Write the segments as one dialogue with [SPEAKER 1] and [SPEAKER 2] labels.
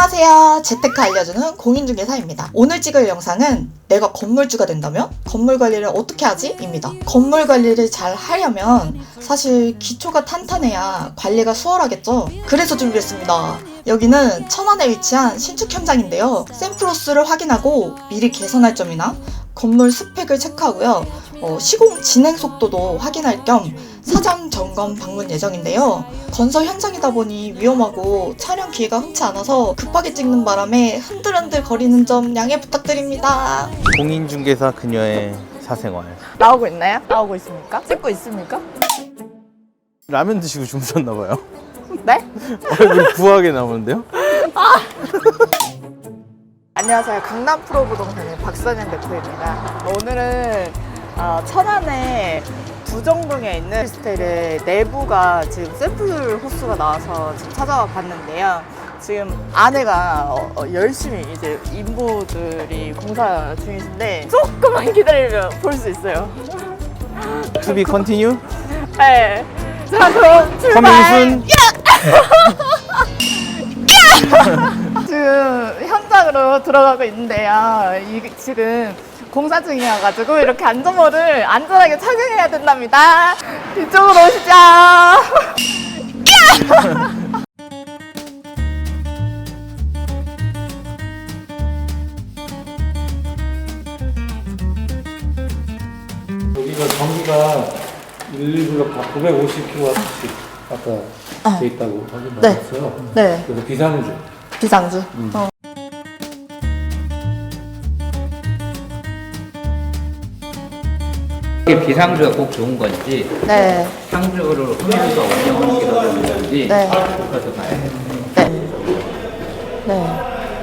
[SPEAKER 1] 안녕하세요. 재테크 알려주는 공인중개사입니다. 오늘 찍을 영상은 내가 건물주가 된다면 건물 관리를 어떻게 하지? 입니다. 건물 관리를 잘 하려면 사실 기초가 탄탄해야 관리가 수월하겠죠? 그래서 준비했습니다. 여기는 천안에 위치한 신축 현장인데요. 샘플로스를 확인하고 미리 개선할 점이나 건물 스펙을 체크하고요. 시공 진행 속도도 확인할 겸 사전 점검 방문 예정인데요. 건설 현장이다 보니 위험하고 촬영 기회가 흔치 않아서 급하게 찍는 바람에 흔들흔들 거리는 점 양해 부탁드립니다.
[SPEAKER 2] 공인중개사 그녀의 사생활.
[SPEAKER 1] 나오고 있나요? 나오고 있습니까? 찍고 있습니까?
[SPEAKER 2] 라면 드시고 주무셨나봐요.
[SPEAKER 1] 네?
[SPEAKER 2] 얼굴 부하게 나오는데요?
[SPEAKER 1] 안녕하세요. 강남 프로부동산의 박선영 대표입니다. 오늘은 천안에 부정동에 있는 오피스텔의 내부가 지금 샘플 호수가 나와서 지금 찾아와 봤는데요. 지금 안에가 열심히 이제 인부들이 공사 중이신데 조금만 기다리면 볼 수 있어요.
[SPEAKER 2] To be continue?
[SPEAKER 1] 네. 자, 그럼 출발!
[SPEAKER 2] 서민순?
[SPEAKER 1] 지금 현장으로 들어가고 있는데요. 지금 공사 중이어가지고 이렇게 안전모를 안전하게 착용해야 된답니다. 이쪽으로 오시죠.
[SPEAKER 3] 여기가 전기가 1블록 다 950kW씩 아까 돼 있다고 확인 받았어요.
[SPEAKER 1] 네.
[SPEAKER 3] 그래서 비상주.
[SPEAKER 1] 비상주.
[SPEAKER 4] 이게 비상주가 꼭 좋은 건지
[SPEAKER 1] 네.
[SPEAKER 4] 상주를 하면서 운영하는 게 더 좋은 건지
[SPEAKER 1] 네.
[SPEAKER 4] 그것도 봐야 돼요.
[SPEAKER 1] 네. 네.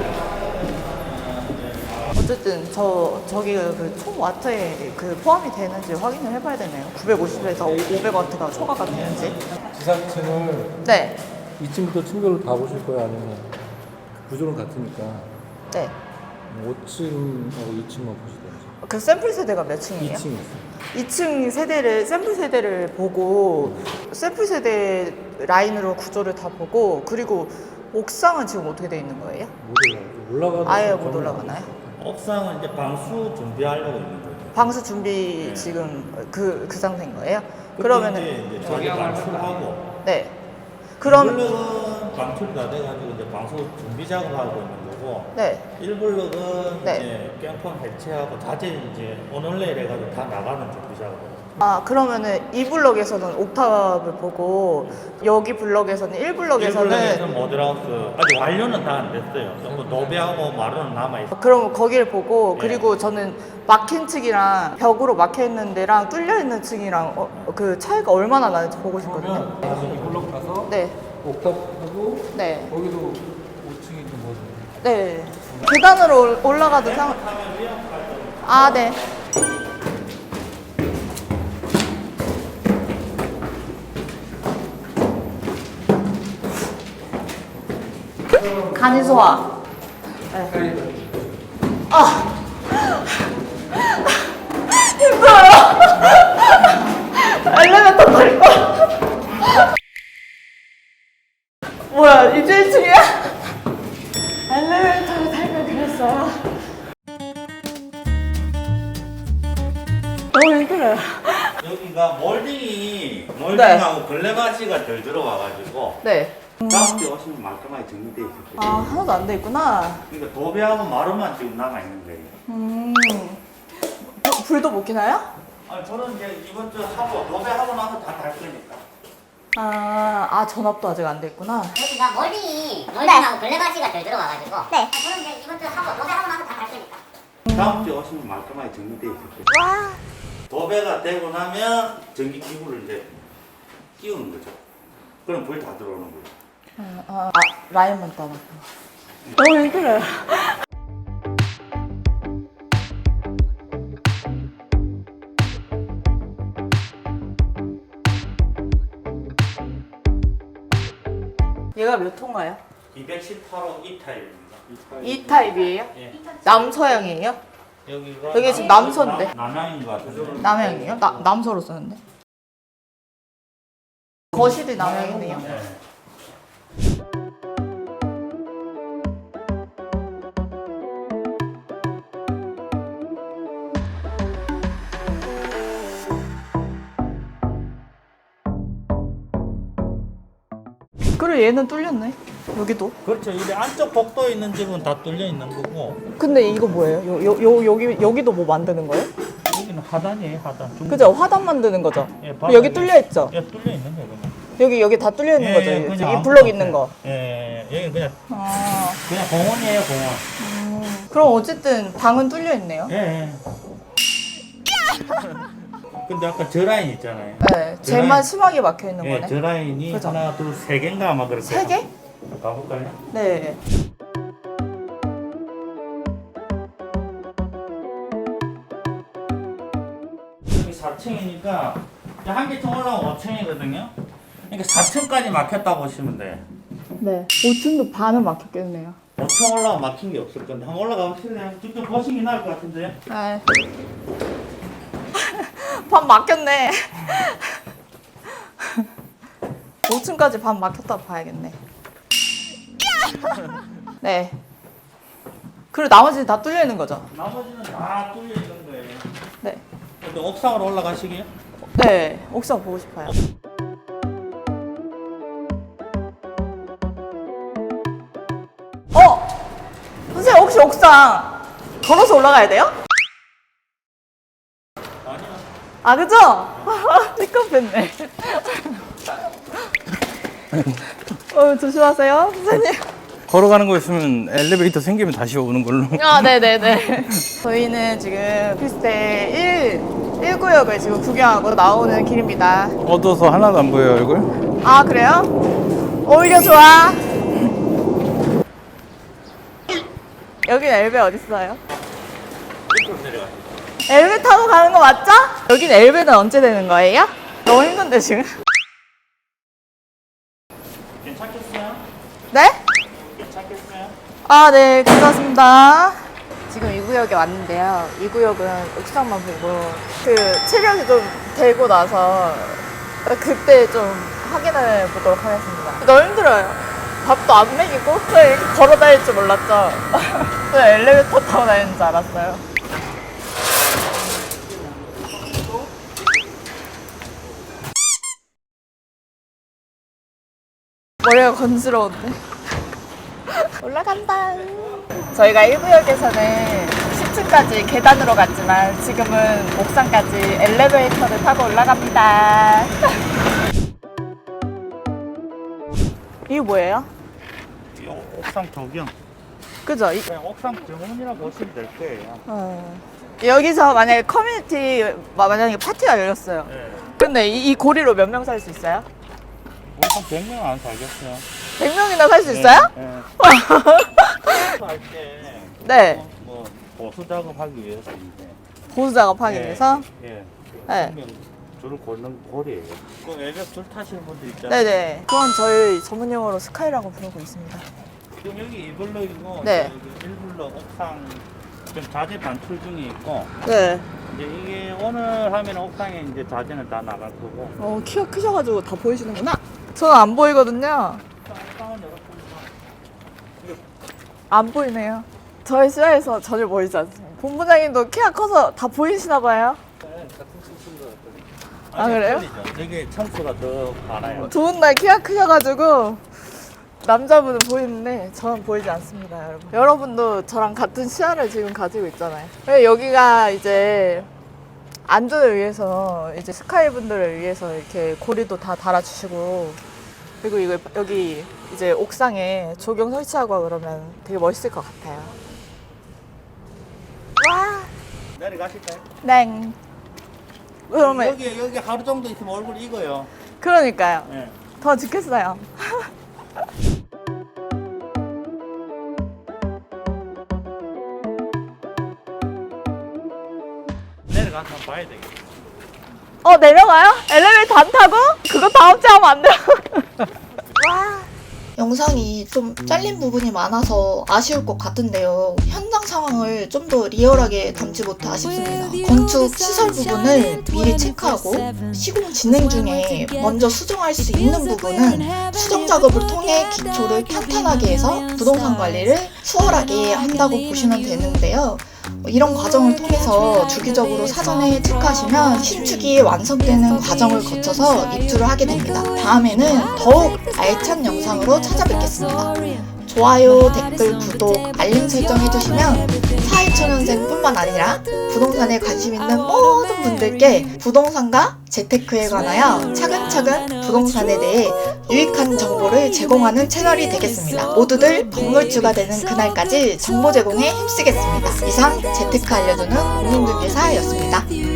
[SPEAKER 1] 어쨌든 저기 그 총 와트에 그 포함이 되는지 확인을 해봐야 되네요. 950에서 500와트가 초과가 되는지.
[SPEAKER 3] 지상층을
[SPEAKER 1] 네.
[SPEAKER 3] 2층부터 층별로 다 보실 거예요? 아니면 구조는 같으니까
[SPEAKER 1] 네.
[SPEAKER 3] 5층하고 2층만 보시든지.
[SPEAKER 1] 그 샘플 세대가 몇 층이에요?
[SPEAKER 3] 2층 있어요.
[SPEAKER 1] 2층 세대를 샘플 세대를 보고 샘플 세대 라인으로 구조를 다 보고 그리고 옥상은 지금 어떻게 돼 있는 거예요?
[SPEAKER 3] 못 올라가는
[SPEAKER 1] 아예 못 올라가나요?
[SPEAKER 5] 옥상은 이제 방수 준비하려고 있는 거죠.
[SPEAKER 1] 방수 준비 지금 그 상태인 거예요?
[SPEAKER 5] 그때
[SPEAKER 1] 그러면은
[SPEAKER 5] 이제 저기 방출하고
[SPEAKER 1] 네. 그럼
[SPEAKER 5] 1블럭은 방출이 다 돼가지고 이제 방수 준비 작업하고 있는 거고
[SPEAKER 1] 네.
[SPEAKER 5] 1블럭은
[SPEAKER 1] 네.
[SPEAKER 5] 이제 깽판 해체하고 자재 이제 오늘내일 해가지고 다 나가는 준비 작업을.
[SPEAKER 1] 그러면은 이 블럭에서는 옥탑을 보고 여기 블럭에서는 1블럭에서는
[SPEAKER 5] 1블럭에서 모델하우스 아직 완료는 다 안 됐어요. 전부 노배하고 마루는 남아 있어요.
[SPEAKER 1] 그럼 거기를 보고
[SPEAKER 5] 네.
[SPEAKER 1] 그리고 저는 막힌 층이랑 벽으로 막혀 있는 데랑 뚫려 있는 층이랑 그 차이가 얼마나 나는지 보고 싶거든요.
[SPEAKER 3] 다시 2블록 가서
[SPEAKER 1] 네.
[SPEAKER 3] 옥탑하고
[SPEAKER 1] 네.
[SPEAKER 3] 거기도 5층이 좀 뭐죠?
[SPEAKER 1] 네. 계단으로 올라가도 네. 간이 소화. 네. 힘들어요. 엘리베이터 탈 거. 뭐야, 이제 1층이야? 엘리베이터를 탈걸 그랬어. 너무 힘들어요.
[SPEAKER 5] 여기가 몰딩하고 걸레마시가 덜 들어와가지고
[SPEAKER 1] 네.
[SPEAKER 5] 다음 주에 오시면 말끔하게 정리돼 있을 거예요.
[SPEAKER 1] 하나도 안 돼 있구나.
[SPEAKER 5] 그러니까 도배하고 마루만 지금 남아 있는 거예요.
[SPEAKER 1] 불도 못 켜나요?
[SPEAKER 5] 아니 저는 이제 이번 주 하고 도배하고 나서 다 달 거니까.
[SPEAKER 1] 전압도 아직 안 돼 있구나.
[SPEAKER 6] 여기가 멀딩하고 블랙아시가 덜 들어와가지고 저는 이제 이번 주 하고 도배하고 나서 다 갈 거니까
[SPEAKER 5] 다음 주에 오시면 말끔하게 정리돼 있을 거예요. 도배가 되고 나면 전기 기구를 이제 끼우는 거죠. 그럼 불 다 들어오는 거예요.
[SPEAKER 1] 라인만 따놓고. 너무 힘들어요. 얘가 몇 호인가요?
[SPEAKER 5] 218호 2타입입니다.
[SPEAKER 1] 이 타입이에요?
[SPEAKER 5] 예.
[SPEAKER 1] 남서형이에요?
[SPEAKER 5] 여기가
[SPEAKER 1] 여기 지금 남서인데.
[SPEAKER 5] 남양인 것 같은데.
[SPEAKER 1] 남양이에요? 남서로 쓰는데? 거실이 남양이네요.
[SPEAKER 5] 네.
[SPEAKER 1] 그래 얘는 뚫렸네. 여기도.
[SPEAKER 5] 그렇죠. 이 안쪽 복도에 있는 집은 다 뚫려 있는 거고
[SPEAKER 1] 근데 이거 뭐예요? 여기도 뭐 만드는 거예요?
[SPEAKER 5] 여기는 하단이에요. 하단.
[SPEAKER 1] 그죠? 화단 만드는 거죠?
[SPEAKER 5] 예,
[SPEAKER 1] 여기 뚫려 있죠?
[SPEAKER 5] 예, 뚫려 있는 거예요. 그냥.
[SPEAKER 1] 여기 다 뚫려 있는 거죠?
[SPEAKER 5] 그냥
[SPEAKER 1] 이
[SPEAKER 5] 아무것도
[SPEAKER 1] 블럭 있는 거.
[SPEAKER 5] 없어요. 예, 여기 그냥
[SPEAKER 1] 아,
[SPEAKER 5] 그냥 공원이에요, 공원.
[SPEAKER 1] 그럼 어쨌든 방은 뚫려 있네요.
[SPEAKER 5] 예. 예. 근데 아까 저 라인 있잖아요.
[SPEAKER 1] 네, 제만 심하게 막혀 있는
[SPEAKER 5] 예,
[SPEAKER 1] 거네.
[SPEAKER 5] 저 라인이
[SPEAKER 1] 그죠?
[SPEAKER 5] 하나, 둘, 세 개인가 아마 그렇게.
[SPEAKER 1] 세 개?
[SPEAKER 5] 가볼까요?
[SPEAKER 1] 네.
[SPEAKER 5] 여기 4층이니까 한 개 층 올라오면 5층이거든요. 그러니까 4층까지 막혔다 보시면 돼.
[SPEAKER 1] 네. 5층도 반은 막혔겠네요.
[SPEAKER 5] 5층 올라오면 막힌 게 없을 건데 한번 올라가 보실래요? 직접 보시긴 나을 것 같은데요.
[SPEAKER 1] 네. 반 막혔네. 5층까지 반 막혔다 봐야겠네. 네. 그리고 나머지는 다 뚫려 있는 거죠?
[SPEAKER 5] 나머지는 다 뚫려 있는 거예요.
[SPEAKER 1] 네.
[SPEAKER 5] 근데 옥상으로 올라가시게요?
[SPEAKER 1] 네. 옥상 보고 싶어요. 선생님 혹시 옥상 걸어서 올라가야 돼요?
[SPEAKER 5] 아니요.
[SPEAKER 1] 아 그죠? 삐끗했네. 조심하세요 선생님.
[SPEAKER 2] 걸어가는 거 있으면 엘리베이터 생기면 다시 오는 걸로.
[SPEAKER 1] 아 네네네. 저희는 지금 필스테 1구역을 지금 구경하고 나오는 길입니다.
[SPEAKER 2] 어두워서 하나도 안 보여요, 얼굴?
[SPEAKER 1] 아 그래요? 오히려 좋아. 여긴 엘베 어딨어요? 엘베 타고 가는 거 맞죠? 여긴 엘베는 언제 되는 거예요? 너무 힘든데 지금.
[SPEAKER 5] 괜찮겠어요?
[SPEAKER 1] 네?
[SPEAKER 5] 괜찮겠어요?
[SPEAKER 1] 아, 네, 괜찮습니다. 지금 이 구역에 왔는데요. 이 구역은 옥상만 보고 그 체력이 좀 되고 나서 그때 좀 확인해 보도록 하겠습니다. 너무 힘들어요. 밥도 안 먹이고 또 이렇게 걸어 다닐 줄 몰랐죠. 또 엘리베이터 타고 다니는 줄 알았어요. 머리가 건스러운데. 올라간다. 저희가 1구역에서는 10층까지 계단으로 갔지만 지금은 옥상까지 엘리베이터를 타고 올라갑니다. 이게 뭐예요?
[SPEAKER 5] 이 옥상 조경.
[SPEAKER 1] 그죠?
[SPEAKER 5] 그냥 옥상 정원이라 보시면 될 거예요.
[SPEAKER 1] 여기서 만약에 커뮤니티 만약에 파티가 열렸어요.
[SPEAKER 5] 네.
[SPEAKER 1] 근데 이 고리로 몇 명 살 수 있어요?
[SPEAKER 5] 옥상 100명 안 살겠어요.
[SPEAKER 1] 100명이나 살 수 있어요?
[SPEAKER 5] 네. 할때
[SPEAKER 1] 네.
[SPEAKER 5] 뭐 보수 작업하기 위해서인데.
[SPEAKER 1] 보수 작업하기 위해서?
[SPEAKER 5] 예.
[SPEAKER 1] 네.
[SPEAKER 5] 네. 줄을 걷는 고리예요. 그 외벽 줄 타시는 분들 있잖아요.
[SPEAKER 1] 네네. 그건 저희 전문 용어로 스카이라고 부르고 있습니다.
[SPEAKER 5] 지금 여기 2블럭이고
[SPEAKER 1] 네.
[SPEAKER 5] 1블럭 옥상 지금 자재 반출 중에 있고
[SPEAKER 1] 네.
[SPEAKER 5] 이제 이게 오늘 하면 옥상에 이제 자재는 다 나갈 거고
[SPEAKER 1] 키가 크셔가지고 다 보이시는구나. 저는 안 보이거든요.
[SPEAKER 5] 옥상은 이렇게
[SPEAKER 1] 안 보이네요. 저희 시야에서 전혀 보이지 않습니다. 본부장님도 키가 커서 다 보이시나 봐요. 아, 그래요?
[SPEAKER 5] 여기 청수가 더 많아요.
[SPEAKER 1] 좋은 날 키가 크셔가지고 남자분은 보이는데 저는 보이지 않습니다, 여러분. 여러분도 저랑 같은 시야를 지금 가지고 있잖아요. 여기가 이제 안전을 위해서 이제 스카이 분들을 위해서 이렇게 고리도 다 달아주시고 그리고 이거 여기 이제 옥상에 조경 설치하고 그러면 되게 멋있을 것 같아요. 와,
[SPEAKER 5] 내려가실까요?
[SPEAKER 1] 네. 그러면
[SPEAKER 5] 여기 하루 정도 있으면 얼굴 익어요.
[SPEAKER 1] 그러니까요.
[SPEAKER 5] 네.
[SPEAKER 1] 더 죽겠어요.
[SPEAKER 5] 내려가서 한번 봐야 되겠다.
[SPEAKER 1] 내려가요? 엘리베이터 안 타고? 그거 다음 주에 하면 안 돼요? 와. 영상이 좀 잘린 부분이 많아서 아쉬울 것 같은데요. 현장 상황을 좀 더 리얼하게 담지 못해 아쉽습니다. 건축 시설 부분을 미리 체크하고 시공 진행 중에 먼저 수정할 수 있는 부분은 수정 작업을 통해 기초를 탄탄하게 해서 부동산 관리를 수월하게 한다고 보시면 되는데요. 이런 과정을 통해서 주기적으로 사전에 체크하시면 신축이 완성되는 과정을 거쳐서 입주를 하게 됩니다. 다음에는 더욱 알찬 영상으로 찾아뵙겠습니다. 좋아요, 댓글, 구독, 알림 설정 해주시면 사회초년생뿐만 아니라 부동산에 관심 있는 모든 분들께 부동산과 재테크에 관하여 차근차근 부동산에 대해 유익한 정보를 제공하는 채널이 되겠습니다. 모두들 건물주가 되는 그날까지 정보 제공에 힘쓰겠습니다. 이상 재테크 알려주는 공인중개사였습니다.